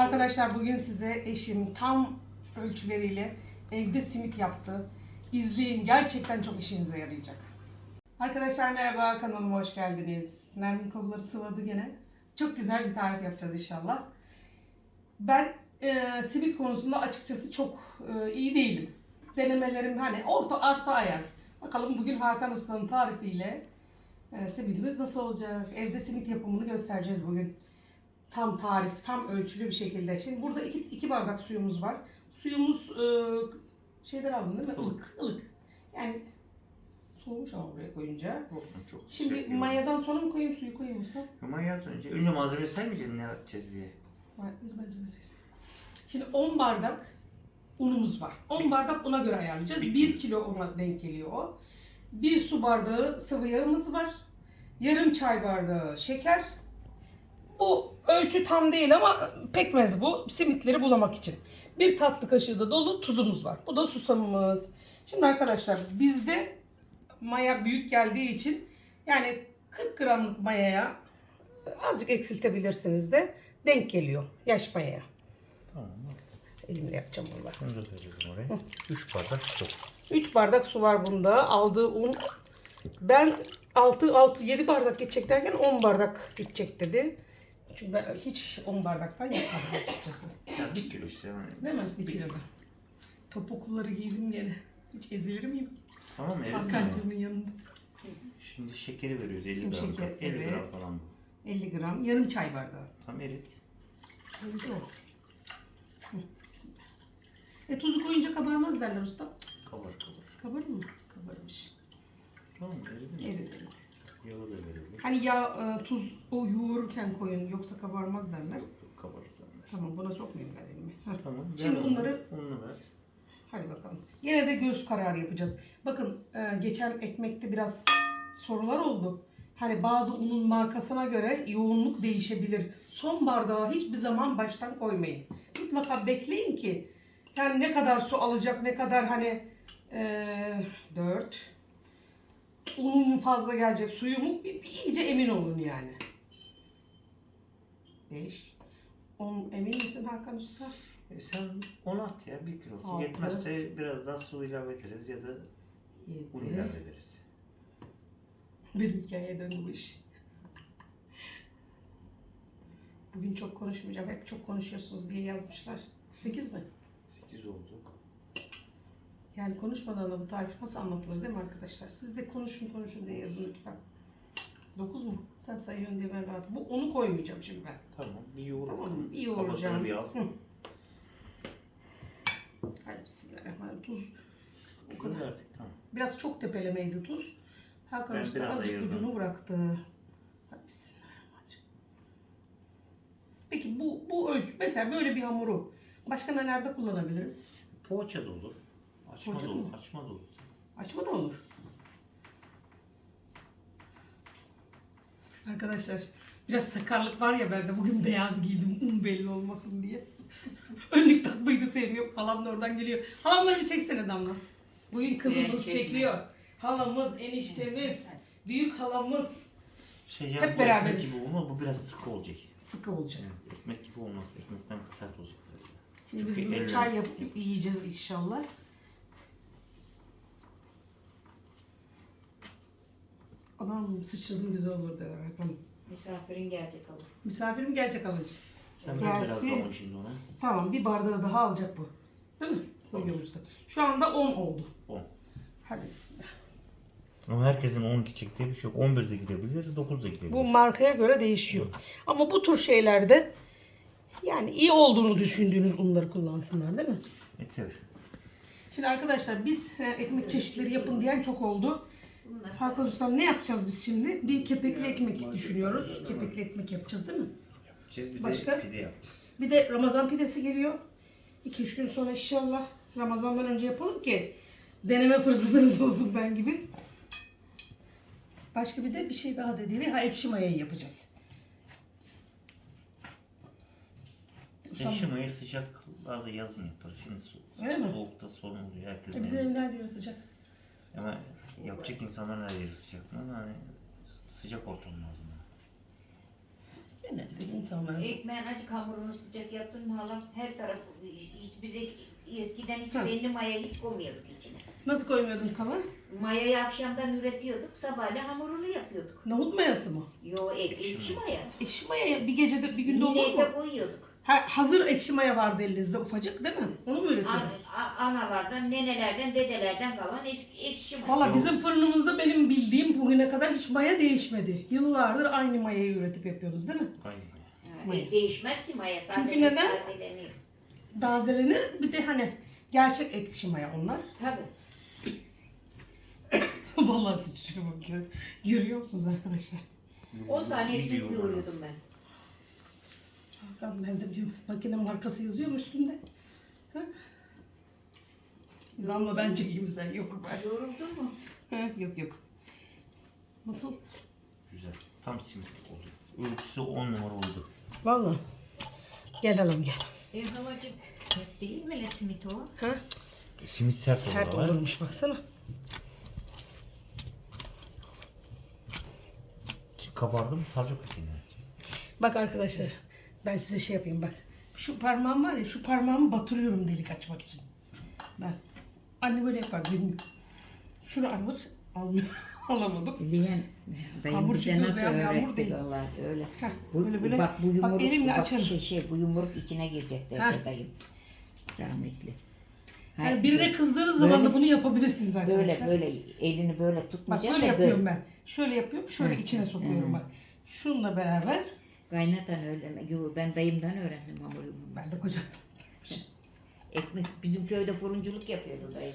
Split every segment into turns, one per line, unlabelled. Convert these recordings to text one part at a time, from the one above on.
Arkadaşlar bugün size eşim tam ölçüleriyle evde simit yaptı. İzleyin, gerçekten çok işinize yarayacak. Arkadaşlar merhaba, kanalıma hoş geldiniz. Nermin kolları sıvadı gene. Çok güzel bir tarif yapacağız inşallah. Ben simit konusunda açıkçası çok iyi değilim. Denemelerim hani orta ayar. Bakalım bugün Hakan Usta'nın tarifiyle simitimiz nasıl olacak? Evde simit yapımını göstereceğiz bugün. Tam tarif, tam ölçülü bir şekilde. Şimdi burada iki bardak suyumuz var. Suyumuz şeyden aldım değil mi? Ilık, ılık. Yani soğumuş ama buraya koyunca.
Olsun, çok
Şimdi
sıcak
mayadan sonra mı koyayım, suyu koyayım usta?
Mayat önce malzeme saymayacaksın ne yapacağız diye.
Şimdi 10 bardak unumuz var. 10 bardak una göre ayarlayacağız. 1 kilo una denk geliyor o. 1 su bardağı sıvı yağımız var. Yarım çay bardağı şeker. Bu ölçü tam değil ama pekmez bu. Simitleri bulamak için. 1 tatlı kaşığı da dolu tuzumuz var. Bu da susamımız. Şimdi arkadaşlar bizde maya büyük geldiği için yani 40 gramlık mayaya azıcık eksiltebilirsiniz de denk geliyor yaş mayaya.
Tamam.
Elimle yapacağım valla.
Bunu da koyacağız oraya. 3 bardak su.
3 bardak su var bunda. Aldığı un. Ben 7 bardak gidecek derken 10 bardak gidecek dedi. Çünkü ben hiç 10 bardaktan yapmadım açıkçası.
Ya 1 kilo işte. Yani.
Değil mi? 1 kiloda. Topukluları giydim gene. Hiç ezilir miyim?
Tamam mı?
Hakan'cığımın yanında.
Şimdi şekeri veriyoruz 50
Şimdi
gram.
şeker,
50
evet.
gram falan bu.
50 gram. Yarım çay bardağı.
Tam erit.
Eridi o. Bismillah. Tuzu koyunca kabarmaz derler usta.
Kabar.
Kabarır mı? Kabarmış.
Tamam eridi mi?
Eridi.
Yağı da verelim.
Hani tuz o yoğururken koyun yoksa kabarmaz derler.
Kabarız zaten.
Tamam, buna sokmayayım ben elimi. Heh.
Tamam.
Şimdi bunları
ununu ver.
hadi bakalım. Yine de göz kararı yapacağız. Bakın geçen ekmekte biraz sorular oldu. Hani bazı unun markasına göre yoğunluk değişebilir. Son bardağı hiçbir zaman baştan koymayın. Mutlaka bekleyin ki yani ne kadar su alacak, ne kadar hani 4 unun mu fazla gelecek, suyu mu bir iyice emin olun yani. 5 10 emin misin Hakan Usta?
Sen 10 at ya 1 kilosu.
6.
Yetmezse biraz daha su ilave ederiz ya da un
7.
ilave ederiz.
Bir hikayeye döndü bu iş. Bugün çok konuşmayacağım. Hep çok konuşuyorsunuz diye yazmışlar. 8 mi?
8 oldu.
Yani konuşmadan da bu tarif nasıl anlatılır değil mi arkadaşlar? Siz de konuşun diye yazın lütfen. 9 mu? Sen sayıyorsun diye ben rahat. Onu koymayacağım şimdi ben.
Tamam. Bir yoğur.
Tamam mı? İyi
Kafasını
yoğuracağım.
bir al.
Hadi bismillahirrahmanirrahim. Tuz.
Bu kadar artık tamam.
Biraz çok tepelemeydi tuz. Hakan
Ben
Usta
biraz
azıcık
ayırdım.
ucunu bıraktı. Hadi bismillahirrahmanirrahim. Peki bu ölçü. Mesela böyle bir hamuru başka nelerde kullanabiliriz?
Poğaça da olur. Açma
Poğaça
da
da
olur.
mı?
Açma da olur.
Açma da olur. Arkadaşlar biraz sakarlık var ya bende. Bugün beyaz giydim un belli olmasın diye. Önlük takmayı da sevmiyorum. Halam da oradan geliyor. Halamları bir çeksene Damla. Bugün kızımız çekiyor. Halamız, eniştemiz, büyük halamız.
Yani
Hep
bu
beraberiz.
Ekmek gibi olmaz. Bu biraz sıkı olacak.
Sıkı olacak.
Yani ekmek gibi olmaz. Ekmekten sert olacak.
Şimdi biz
Çünkü
bunu
elle-
çay yapıp yiyeceğiz inşallah. Anam sıçradım güzel olur der Hakan.
Misafirin gelecek alır.
Misafirim gelecek alacağım.
Sen
Gelsin.
biraz kavun şimdi ona.
Tamam, bir bardağı daha alacak bu. Değil mi? Koyuyoruz da. Şu anda 10 oldu.
10.
Hadi bismillah.
Ama herkesin 12 çektiği bir şey yok. 11 de gidebilir, 9 da gidebilir.
Bu markaya göre değişiyor. Ama bu tür şeylerde yani iyi olduğunu düşündüğünüz unları kullansınlar değil mi?
Tabii.
Şimdi arkadaşlar biz ekmek çeşitleri yapın diyen çok oldu. Hakan Ustam ne yapacağız biz şimdi? Bir kepekli ekmek düşünüyoruz. Kepekli ekmek yapacağız değil mi?
Bir
Başka?
de pide yapacağız.
Bir de Ramazan pidesi geliyor. 2-3 gün sonra inşallah Ramazan'dan önce yapalım ki deneme fırsatınız olsun ben gibi. Başka bir şey daha dediği ekşi mayayı yapacağız. Ustam,
Ekşi mayayı sıcaklarda yazın yaparız. Şimdi
Öyle mi?
soğukta sorun oluyor. Herkes
bizim evler diyor sıcak.
Ama yapacak insanların her yeri sıcak. Ama hani sıcak ortam lazım.
Genelde insanlar.
Ekmeğin acık hamurunu sıcak yaptın mı halam her tarafı hiç bize eskiden hiç
Ha.
belli maya hiç koymuyorduk içine.
Nasıl koymuyordun kala?
Mayayı akşamdan üretiyorduk, sabahleyin hamurunu yapıyorduk.
Nohut mayası mı?
Yo ekşi maya.
Ekşi maya bir gecede bir günde olur
Yine
mu?
de koyuyorduk.
Ha, hazır ekşi maya vardı elinizde ufacık değil mi? Onu mu üretiyordun?
Analardan, nenelerden, dedelerden kalan ekşi maya.
Valla bizim fırınımızda benim bildiğim bugüne kadar hiç maya değişmedi. Yıllardır aynı mayayı üretip yapıyoruz değil mi?
Aynen.
Ha, değişmez ki maya.
Çünkü neden?
tazeleniyor.
Tazelenir bir de hani gerçek ekşi maya onlar.
Tabii.
Vallahi sıçrıyor bakıyor. Görüyor musunuz arkadaşlar?
10 tane ekmek
Video
yoğuruyordum ben.
Hakan ben de bir makine markası yazıyor mu üstünde? Ha? Damla ben çekeyim sen yok ben.
Yoruldun mu?
Ha, yok yok. Nasıl?
Güzel. Tam simit oldu. Ölçüsü 10 numara oldu.
Vallahi. Gel alalım gel.
Halacığım. Sert değil mi le simit o?
Ha?
Simit sert,
Sert
olur.
olurmuş baksana.
Kabardı mı saracak içine.
Bak arkadaşlar ben size şey yapayım bak. Şu parmağım var ya şu parmağımı batırıyorum delik açmak için. Ben. Anne böyle yapar günlük. Şunu alır almıyor. Alamadım.
Diyen dayım
Hamur
bize
çıkıyor,
nasıl
yani hamur
öğretti
değil.
vallahi öyle.
Heh,
Bu,
böyle böyle.
bak bu yumruk,
elimle
bak
açarım.
bu yumruk içine girecek
Heh.
derdi dayım. Rahmetli.
Yani birine kızdığınız zaman
böyle-
da bunu yapabilirsiniz arkadaşlar.
Böyle elini böyle
Bak
tutmayacaksın
böyle
da
yapıyorum ben. Şöyle yapıyorum, şöyle
Hı,
içine sokuyorum
hı.
bak. Şununla beraber
Kaynatan öyle. Yo, ben dayımdan öğrendim hamur
ben
yoğurmayı.
de kocam.
Ekmek bizim köyde fırıncılık yapıyordu dayım.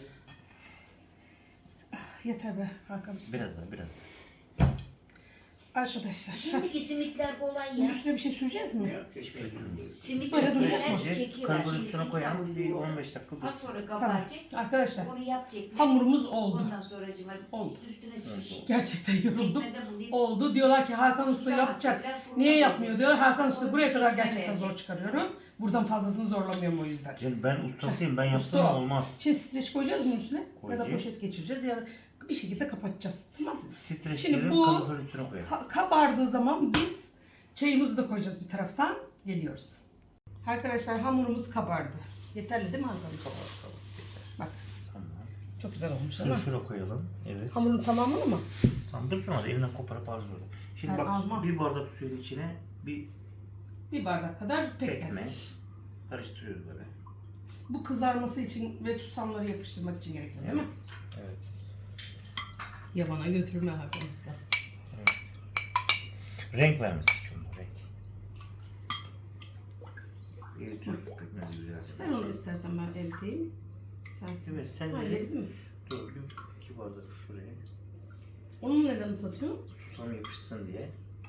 Yeter be Hakan Usta.
Biraz daha biraz.
Arkadaşlar.
Şimdiki simitler kolay
Bunun
ya.
üstüne bir şey süreceğiz mi?
Yok hiçbir şey sürmüyoruz.
Simit
Böyle
yapıyorlar,
duracak mı?
çekiyorlar.
Karbon
Şimdi
üstüne
simit
koyalım.
hamuru
Bir
yoğurur.
15 dakika dur.
Az sonra
Tamam.
kapatacak.
Arkadaşlar
Onu yapacaklar.
hamurumuz oldu.
Ondan sonra cıma
Oldu.
üstüne sıkışık.
Gerçekten yoruldum.
Pekmeze bulayıp
Oldu. Diyorlar ki Hakan Usta
Sonra
yapacak.
atacaklar, fırına
Niye yapmıyor
koyacaklar.
diyor. Hakan Usta
Sonra
buraya kadar
çekme
gerçekten zor
verecek.
çıkarıyorum. Buradan fazlasını zorlamıyorum o yüzden.
Canım ben ustasıyım. Ben yapsam
Usta.
olmaz.
Şimdi streç koyacağız mı üstüne? Ya da
Koyacağız.
poşet geçireceğiz ya da bir şekilde kapatacağız. Tamam mı?
Streçleri
Şimdi bu-
kalorifer üstüne koyalım.
Kabardığı zaman biz çayımızı da koyacağız bir taraftan. Geliyoruz. Arkadaşlar hamurumuz kabardı. Yeterli değil mi Hakan? Bak
Tamam.
çok güzel olmuş
Şunu
ama.
şuraya koyalım. Evet.
Hamurun tamamını mı?
Tamam dursun hadi elinden koparıp alırız orada. Şimdi
Ben
bak
almam.
bir bardak suyun içine bir
Bir bardak kadar pekmez.
pekmez. Karıştırıyoruz böyle.
Bu kızarması için ve susamları yapıştırmak için gerekli değil mi?
Evet.
Yabana götürme Hakan Usta.
Evet. Renk vermesi için bu renk. Eritiyoruz pekmezi güzelce.
Ben onu istersen ben eriteyim. Sen
Evet sen
Ha,
de
yedin mi?
dur bir iki bardak şuraya.
Onu neden ıslatıyor?
Susam yapışsın diye.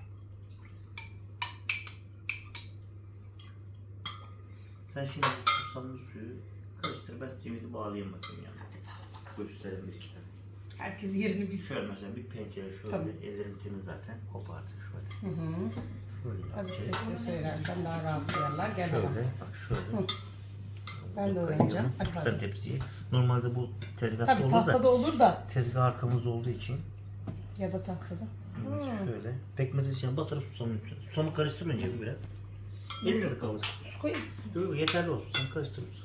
Sen şimdi bu susamlı suyu karıştır, ben simidi bağlayayım bakayım yani.
Hadi bağla bakalım.
Gösterelim bir iki tane.
Herkes yerini bilsin.
Şöyle mesela bir pencere şöyle,
Tabii.
ellerim temiz zaten, kopardık şöyle.
Hı hı.
Şöyle
Azıcık
yapacağız.
sesli söylersen daha rahat duyarlar. Gel
Şöyle,
bakalım.
bak şöyle.
Hı. Ben de
Bunu
öğreneceğim.
koyuyorum.
Hadi bakalım.
Sen tepsiye. Normalde bu tezgahta
Tabii
olur da
tahtada olur da
tezgah arkamızda olduğu için
ya da tahtada. Hı.
şöyle pekmezin içine batırıp susamın üstüne. Susamı karıştır önce bir biraz. Elinde de kalır.
Su koyayım.
Yok yeterli olsun. Sen karıştırırsın.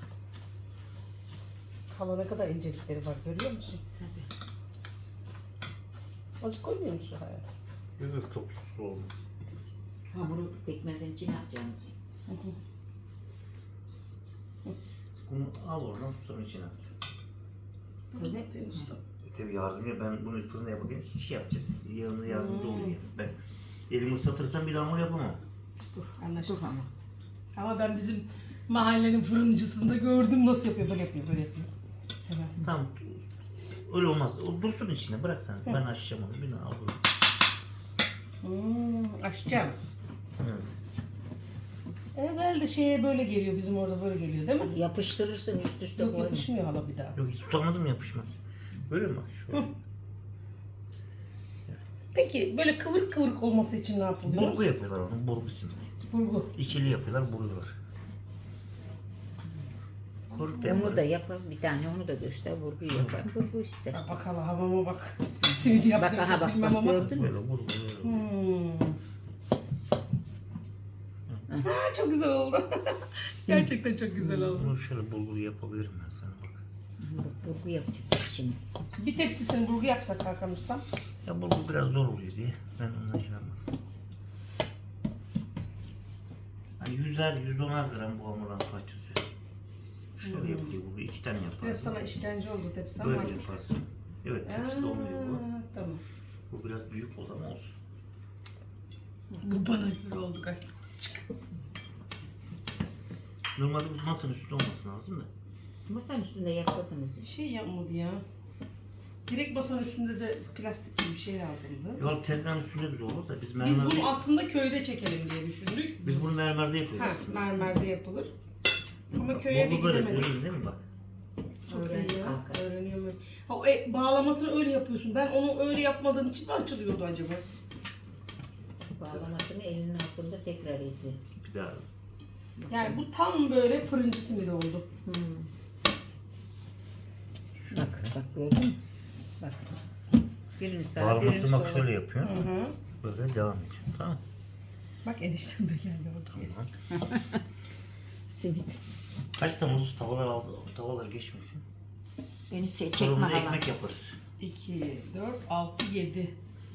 Hala ne kadar incelikleri var görüyor musun?
Tabii.
Azıcık koymuyor musun hayal?
Yok çok suslu olmaz.
Hamuru pekmezin içine atacaksın.
Hı hı.
Bunu al oradan susamın içine at.
Evet. Değil mi usta?
Tabii yardımcı ben bunu fırında yaparken iş yapacağız. Yanında yardımcı
Hmm.
oluyor yani. Ben elimi ıslatırsam bir daha hamur yapamam.
Dur anlaştık.
Dur ama.
Ama ben bizim mahallenin fırıncısında gördüm nasıl yapıyor. Böyle yapıyor, böyle yapıyor. Hemen.
Tamam. Öyle olmaz. O dursun içine bırak sen.
Hı.
Ben açacağım onu. Bir daha al bunu.
Açacağım.
Evet.
Evvel şeye böyle geliyor, bizim orada böyle geliyor değil mi?
Yapıştırırsın üst üste
Yok
koyma.
yapışmıyor hala bir daha.
Yok hiç susamaz mı yapışmaz? Böyle mi bak? Şöyle.
Hı. Peki böyle kıvırık kıvırık olması için ne yapılıyor?
Burgu yapıyorlar onu. Burgu simit.
Burgu.
İkili yapıyorlar, buruyorlar. Koruk da
Onu da
yaparız.
yapar. Bir tane onu da göster. Vurgu yapar. Vurgu işte.
Bak bakalım havama bak. Simit yapıyor
Bak aha
çok
bak
bilmem
bak
ama.
gördün mü?
Böyle vurgu.
Hmm. Aa, çok güzel oldu. Gerçekten çok güzel oldu.
Bunu şöyle bulgur yapabilirim ben sana bak.
Burgu yapacak şimdi.
Bir tepsisini burgu yapsak Hakan Ustam.
Ya bulgur biraz zor oluyor diye ben ondan şey yapmadım. Hani 110'ar gram bu hamurun parçası. Şöyle yapıyor bu. 2 tane
Biraz
yaparsın.
sana işkence oldu tepsi ama.
Böyle yaparsın. Evet tepsi de olmuyor bu.
Tamam.
Bu biraz büyük oldu ama olsun.
Bu bana göre oldu galiba.
Normalde bu masanın üstünde olması lazım da.
Masanın üstünde yapmadınız.
Şey yapmadı ya. Direkt masanın üstünde de plastik gibi bir şey lazımdı.
Yol tezgahın üstünde güzel olur da biz
Biz
mermerde...
bunu aslında köyde çekelim diye düşündük.
Biz bunu mermerde yapıyoruz
Ha,
aslında.
mermerde yapılır. Ama köye de
Bolu böyle
gidemedik.
görüyoruz değil mi bak?
Çok
Öğrenci
iyi ya.
kanka.
Öğreniyorum. Ha, bağlamasını öyle yapıyorsun. Ben onu öyle yapmadığım için mi açılıyordu acaba?
Bağlamasını elinin altında tekrar izi.
Bir daha.
Yani bu tam böyle fırıncı simidi oldu.
Bak bak gördün mü? Bak. Birini sağa birini
Bağlamasını bak
sola.
şöyle yapıyor.
Hı.
Böyle devam ediyor. Tamam.
Bak eniştem de geldi orada.
Tamam.
Simit.
Kaç tane olsun tavalar aldı, tavalar geçmesin.
Beni çekme
Fırında
hala.
ekmek yaparız.
2, 4, 6, 7.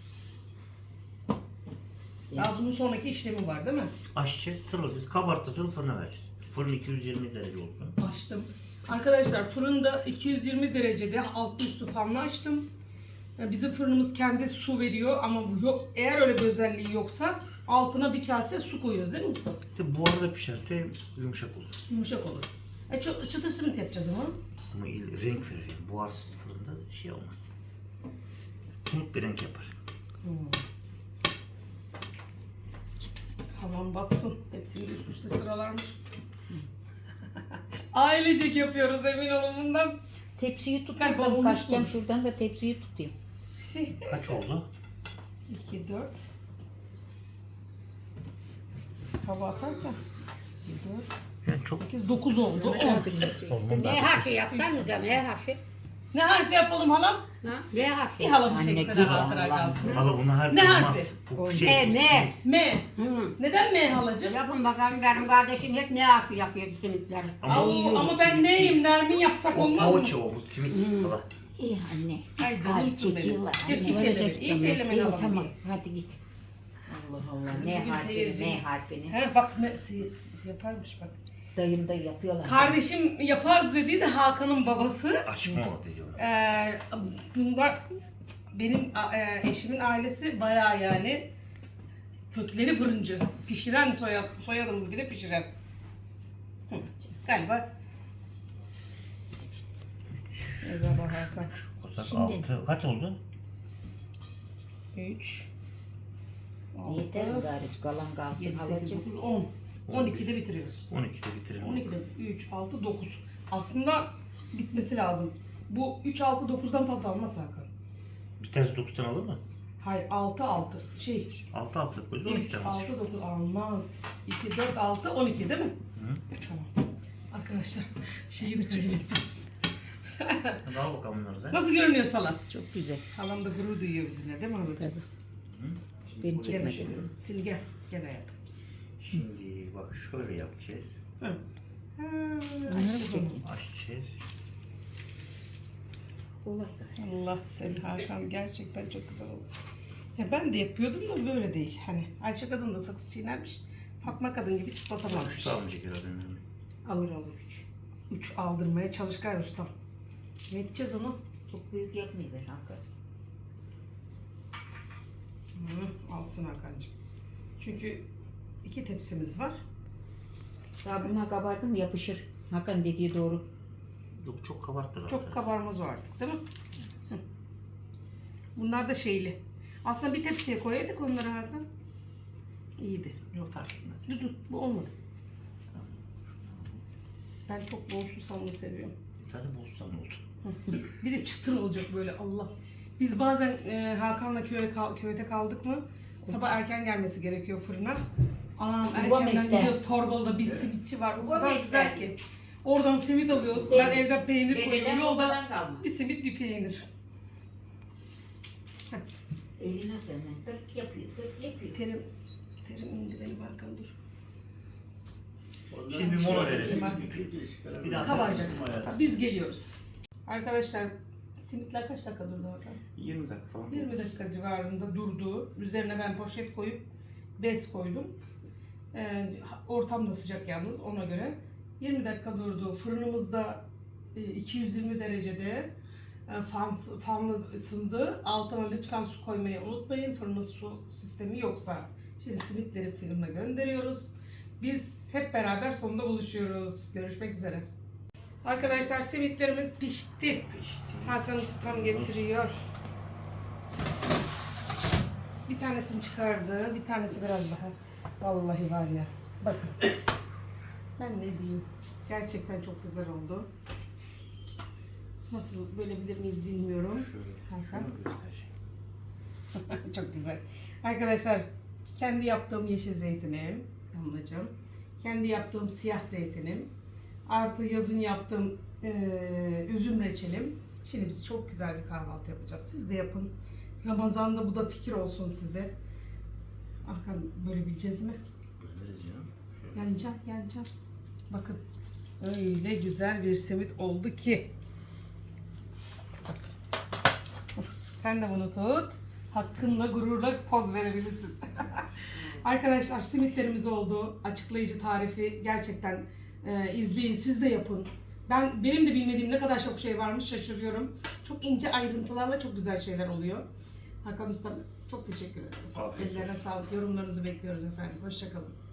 Daha bunun sonraki işlemi var değil mi?
Açacağız, sıralayacağız, kabartacağız, sonra fırına vereceğiz. Fırın 220 derece olsun.
Açtım. Arkadaşlar fırında 220 derecede altı üstü fanlı açtım. Bizim fırınımız kendi su veriyor ama bu yok. Eğer öyle bir özelliği yoksa altına bir kase su koyuyoruz değil mi usta?
İşte buharda pişerse yumuşak olur.
Yumuşak olur. Çıtır simit yapacağız ama.
Ama renk verir yani. Buharsız fırında şey olmaz. Tumut bir renk yapar.
Havan batsın. Hepsini üst üste sıralarmış. Ailecek yapıyoruz emin olun bundan.
Tepsiyi
Galiba
tutarsam
olmuş
kaçacağım
mu?
şuradan da tepsiyi tutayım.
Kaç oldu?
2, 4. Hava atarken 2, 4,
Yani çok
8, 9 oldu. 10.
olmadı.
V harfi yapsanız da V harfi.
Ne harfi yapalım halam?
Ha? V harfi.
Bir halamı
Anne,
çeksene
gir
hatıra
Allah.
kalsın.
Valla buna harf
Ne
olmaz.
harfi?
Bu
M,
şey,
M.
M.
Hı.
Neden M halacığım?
Yapın bakalım benim kardeşim hep ne harfi yapıyor bu simitler.
Ama ben neyim? Nermin yapsak
O
olmaz mı?
poğaça o, bu simit.
Hmm.
Valla.
İyi anne.
Ay
Kalp
canımsın benim.
çekiyorlar.
Yok hiç
Anne,
ellemeyin. Hiç
tamam.
ellemeyin
İyi,
halam.
tamam. Hadi git. Allah Allah.
Kızım,
Ne
bugün
harfini,
seyircimiz-
ne harfini.
He bak yaparmış bak.
Dayım da yapıyorlar.
Kardeşim yapardı dediği de Hakan'ın babası.
Açma o dedi ona.
Bunlar benim eşimin ailesi bayağı yani kökleri fırıncı. Pişiren soyadımız bile pişiren. Hı, galiba. Eyvallah Hakan.
Kosak
Şimdi-
6. Kaç oldu?
3
Yeter mi gari? Kalan kalsın
7, 8,
halacığım.
9, 10. 12'de bitiriyoruz.
12'de bitirelim.
12'de 3, 6, 9. Aslında bitmesi lazım. Bu 3, 6, 9'dan fazla almaz Hakan.
Bir tanesi 9'tan alır mı?
Hayır 6, 6.
6 6. O yüzden 12
3,
tane
6,
alacak.
9 almaz. 2, 4, 6, 12 değil mi?
Hı.
Tamam. Arkadaşlar şeyi de çekelim.
Hadi al bakalım bunları da.
Nasıl görünüyor salam?
Çok güzel.
Halam da gurur duyuyor bizimle değil mi halacığım?
Tabii.
Hı. Şimdi
Beni
buraya-
çekme.
Gel şimdi. Sil gel. Gel hayatım.
Şimdi bak şöyle yapacağız.
Hı. Ha,
Bunları mı
açtım.
çekeyim?
Açacağız.
Kolay gari.
Allah seni Hakan gerçekten çok güzel oldu. Ya ben de yapıyordum da böyle değil. Hani Ayşe kadın da sakız çiğnermiş. Fatma kadın gibi çıtlatamazmış.
3 almayacak herhalde.
Alır alır 3.
3 aldırmaya çalış gayr ustam. Ne edeceğiz onu?
Çok büyük yapmayı ver Hakan.
Alsın Hakan'cığım. Çünkü 2 tepsimiz var.
Daha buna kabardı mı yapışır. Hakan dediği doğru.
Yok çok kabartma zaten.
Çok kabarmaz o artık değil mi? Hı. Bunlar da şeyli. Aslında bir tepsiye koyaydık onları Hakan. İyiydi.
Yok fark etmez.
Dur bu olmadı.
Tamam.
Ben çok bol susamlı seviyorum.
Zaten bozsan oldu.
Bir de çıtır olacak böyle Allah. Biz bazen Hakan'la köyde kaldık mı sabah erken gelmesi gerekiyor fırına. Anam
Babam
erkenden
ister.
gidiyoruz Torbalı'da bir simitçi var. O
Babam
kadar güzel
ister.
ki. Oradan simit alıyoruz.
Benim-
Ben evden peynir koyuyorum.
Dededen
Yolda
babadan kalma.
bir simit bir peynir.
Eline senin. Tırk yapıyor, tırk yapıyor.
Terim indireyim Hakan dur.
Şimdi bir mola verelim. Bir daha
Kabaracak.
hayatım.
Biz geliyoruz. Arkadaşlar simitler kaç dakika durdu orada?
20 dakika falan.
20 dakika civarında durdu. Üzerine ben poşet koyup bez koydum. Ortam da sıcak yalnız ona göre. 20 dakika durdu. Fırınımızda 220 derecede fanlı ısındı. Altına lütfen su koymayı unutmayın. Fırının su sistemi yoksa. Şimdi simitleri fırına gönderiyoruz. Biz hep beraber sonunda buluşuyoruz. Görüşmek üzere. Arkadaşlar simitlerimiz pişti.
Pişti.
Hakan Ustam getiriyor. Bir tanesini çıkardı, bir tanesi biraz daha. Vallahi var ya, bakın. Ben ne diyeyim, gerçekten çok güzel oldu. Nasıl bölebilir miyiz bilmiyorum.
Şöyle.
Hakan.
Şunu göstereceğim.
Çok güzel. Arkadaşlar, kendi yaptığım yeşil zeytinim, damlacığım. Kendi yaptığım siyah zeytinim. Artı yazın yaptığım üzüm reçelim. Şimdi biz çok güzel bir kahvaltı yapacağız. Siz de yapın. Ramazan'da bu da fikir olsun size. Hakan bölebileceğiz mi?
Böleriz canım. Şöyle.
Yanacağım. Bakın. Öyle güzel bir simit oldu ki. Bak. Sen de bunu tut. Hakkınla gururla poz verebilirsin. Arkadaşlar simitlerimiz oldu. Açıklayıcı tarifi gerçekten izleyin. Siz de yapın. Benim de bilmediğim ne kadar çok şey varmış şaşırıyorum. Çok ince ayrıntılarla çok güzel şeyler oluyor. Hakan Usta çok teşekkür ederim.
Afiyet
Ellerine
olsun.
sağlık. Yorumlarınızı bekliyoruz efendim. Hoşça kalın.